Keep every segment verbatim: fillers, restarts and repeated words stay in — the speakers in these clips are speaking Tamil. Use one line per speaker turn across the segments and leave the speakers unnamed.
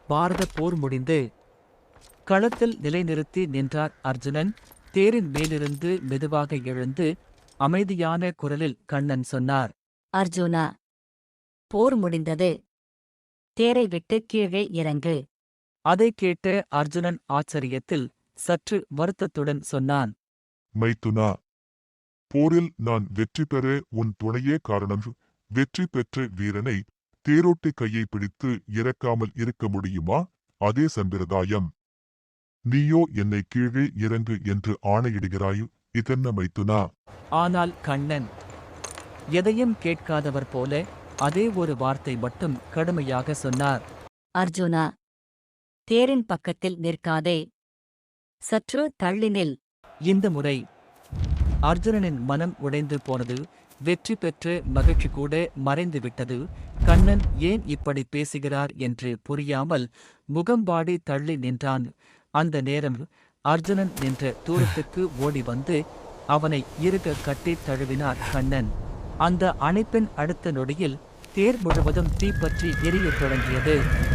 பாரத போர் முடிந்து களத்தில் நிலைநிறுத்தி நின்றார் அர்ஜுனன். தேரின் மேலிருந்து மெதுவாக எழுந்து அமைதியான குரலில் கண்ணன் சொன்னார்.
அர்ஜுனா, போர் முடிந்தது. தேரை விட்டு கீழே இறங்கு.
அதைக் கேட்ட அர்ஜுனன் ஆச்சரியத்தில் சற்று வருத்தத்துடன் சொன்னான்.
மைத்துனா, போரில் நான் வெற்றி பெற உன் துணையே காரணம். வெற்றி பெற்ற வீரனை தேரோட்டி கையை பிடித்து இறக்காமல் இருக்க முடியுமா? அதே சம்பிரதாயம். நீயோ என்னை கீழே இறங்கு என்று ஆணையிடுகிறாய். இதென்ன மைத்துனா?
ஆனால் கண்ணன் எதையும் கேட்காதவர் போல அதே ஒரு வார்த்தை மட்டும் கடுமையாக சொன்னார்.
அர்ஜுனா, தேரின் பக்கத்தில் நிற்காதே. சற்று தள்ளி நில்.
இந்த முறை அர்ஜுனனின் மனம் உடைந்து போனது. வெற்றி பெற்று மகிழ்ச்சி கூட மறைந்து விட்டது. கண்ணன் ஏன் இப்படி பேசுகிறார் என்று புரியாமல் முகம்பாடி தள்ளி நின்றான். அந்த நேரம் அர்ஜுனன் நின்ற தூரத்துக்கு ஓடி வந்து அவனை இறுக கட்டி தழுவினார் கண்ணன். அந்த அணைப்பின் அடுத்த நொடியில் தேர் முழுவதும் தீப்பற்றி எரியத் தொடங்கியது.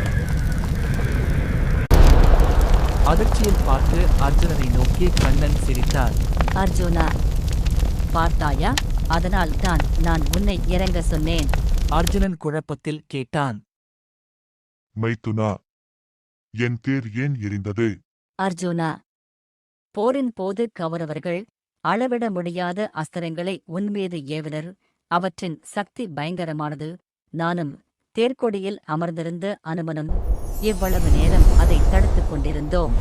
அதிர்ச்சியில் பார்த்து அர்ஜுனனை நோக்கி கண்ணன் சிரித்தார்.
அர்ஜுனா, பார்த்தாயா? அதனால் தான் நான் உன்னை இறங்க சொன்னேன்.
அர்ஜுனன் குழப்பத்தில் கேட்டான்.
மைத்துனா, என் தேர் ஏன் எரிந்தது?
அர்ஜுனா, போரின் போது கௌரவர்கள் அளவிட முடியாத அஸ்திரங்களை உன்மீது ஏவினர். அவற்றின் சக்தி பயங்கரமானது. நானும் தேர்க்கொடியில் அமர்ந்திருந்த அனுமனும் இவ்வளவு நேரம் அதை தடுத்துக் கொண்டிருந்தோம்.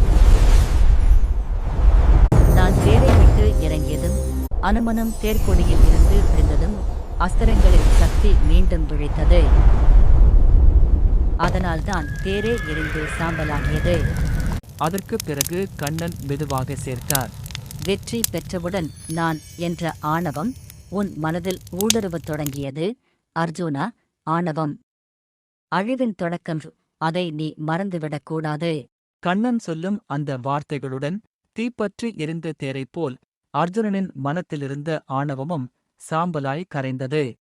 நான் தேரை விட்டு இறங்கியதும் அனுமனும் தேர்க்கொடியில் இருந்து விழுந்ததும் அஸ்திரங்களின் சக்தி மீண்டும் விழித்தது. அதனால்தான் தேரே எரிந்து சாம்பலாகியது.
அதற்குப் பிறகு கண்ணன் மெதுவாக சேர்த்தார்.
வெற்றி பெற்றவுடன் நான் என்ற ஆணவம் உன் மனதில் ஊடுருவத் தொடங்கியது. அர்ஜுனா, ஆணவம் அழிவின் தொடக்கம். அதை நீ மறந்துவிடக்கூடாது.
கண்ணன் சொல்லும் அந்த வார்த்தைகளுடன் தீப்பற்றி எரிந்த தேரைப்போல் அர்ஜுனனின் மனத்திலிருந்த ஆணவமும் சாம்பலாய் கரைந்தது.